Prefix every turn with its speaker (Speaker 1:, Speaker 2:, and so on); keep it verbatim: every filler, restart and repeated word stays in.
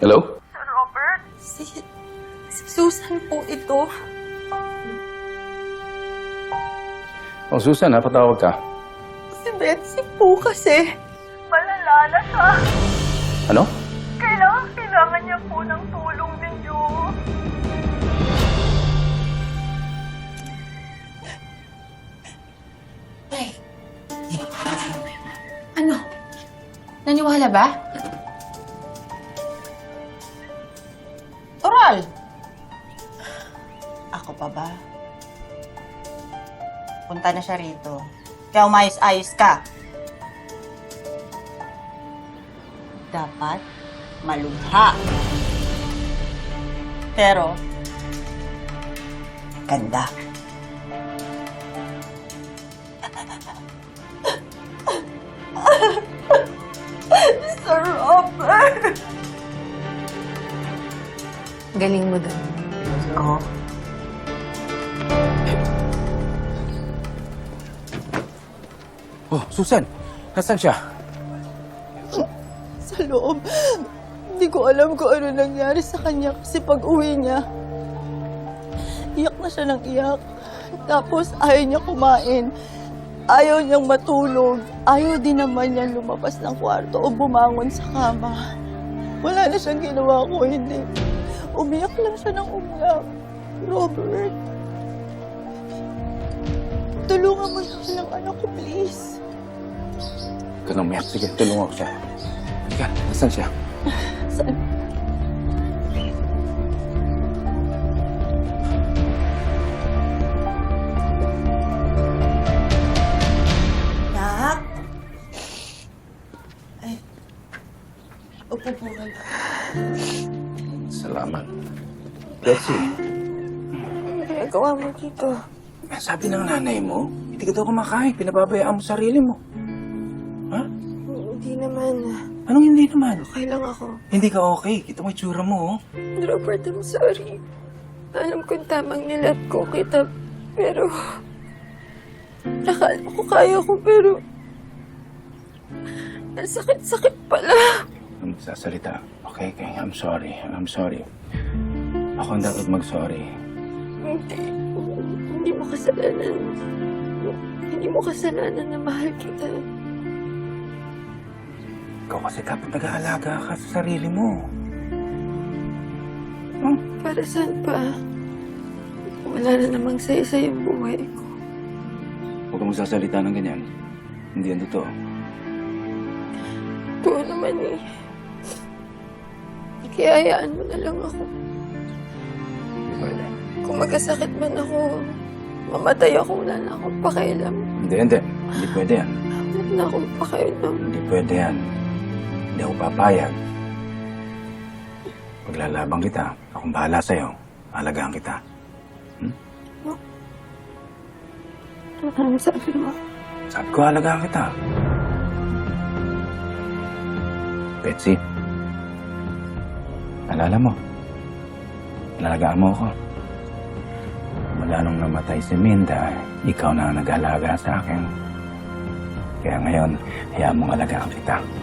Speaker 1: Hello?
Speaker 2: Sir Robert? Si, si Susan po ito.
Speaker 1: Oh, Susan, napatawag ka.
Speaker 2: Si Betsy po kasi. Malala na siya.
Speaker 1: Ano?
Speaker 2: Kailangan, kailangan niya po ng tulong ninyo.
Speaker 3: Ay. Ano? Naniwala ba? Oral!
Speaker 4: Ako pa ba? Punta na siya rito. Kaya umayos-ayos ka. Dapat malubha. Pero, ganda.
Speaker 2: Sir Robert!
Speaker 3: Galing mo dun.
Speaker 4: Ako?
Speaker 1: Oh, Susan, nasaan siya?
Speaker 2: Sa loob. Hindi ko alam kung ano nangyari sa kanya kasi pag uwi niya, iyak na siya ng iyak. Tapos ayaw niya kumain. Ayaw niyang matulog. Ayaw din naman niyang lumabas ng kwarto o bumangon sa kama. Wala na siyang ginawa ko, hindi. Umiyak lang siya ng umiyak. Robert, tulungan mo na lang anak ko, please.
Speaker 1: Huwag ka nang umiyak. Sige, tulungan ko siya. Halika, nasaan siya?
Speaker 2: Saan?
Speaker 4: Nak? Ay. Upo po kayo.
Speaker 1: Salamat. Betsy,
Speaker 2: Ano ginagawa mo dito?
Speaker 1: sabi ng nanay mo, hindi ka daw kumakain. Pinababayaan mo sarili mo. Ha?
Speaker 2: Hindi naman.
Speaker 1: Anong hindi naman?
Speaker 2: Okay lang ako.
Speaker 1: Hindi ka okay. Kita mo yung tsura mo, oh.
Speaker 2: Robert, I'm sorry. Alam kong tamang nilat ko kita, pero... Nakala ko kaya ko, pero... Ang sakit-sakit pala.
Speaker 1: Ang sasalita. Okay, okay. I'm sorry. I'm sorry. Ako ang dapat mag-sorry.
Speaker 2: Hindi. Hindi mo kasalanan. Hindi mo kasalanan na mahal kita.
Speaker 1: Ikaw kasi dapat nag-aalaga ka sa sarili mo. Hmm?
Speaker 2: Para saan pa? Wala na namang saya-saya yung buhay ko.
Speaker 1: Huwag kang magsasalita ng ganyan. Hindi yan totoo.
Speaker 2: Oo naman eh. Kaya hayaan mo na lang ako.
Speaker 1: Hindi pwede.
Speaker 2: Kung magkasakit man ako, mamatay ako, wala na akong pakialam.
Speaker 1: Hindi, hindi. Hindi pwede yan.
Speaker 2: Wala na akong pakialam.
Speaker 1: Hindi pwede yan. Hindi ako papayag. Paglalabang kita, akong bahala sa'yo. Alagaan kita. Hmm?
Speaker 2: Ano sabi mo?
Speaker 1: Sabi ko, alagaan kita. Betsy, alala mo, alagaan mo ako. Mula nung namatay si Minda, ikaw na ang nag-alaga sa akin. Kaya ngayon, hayaan mong alagaan kita.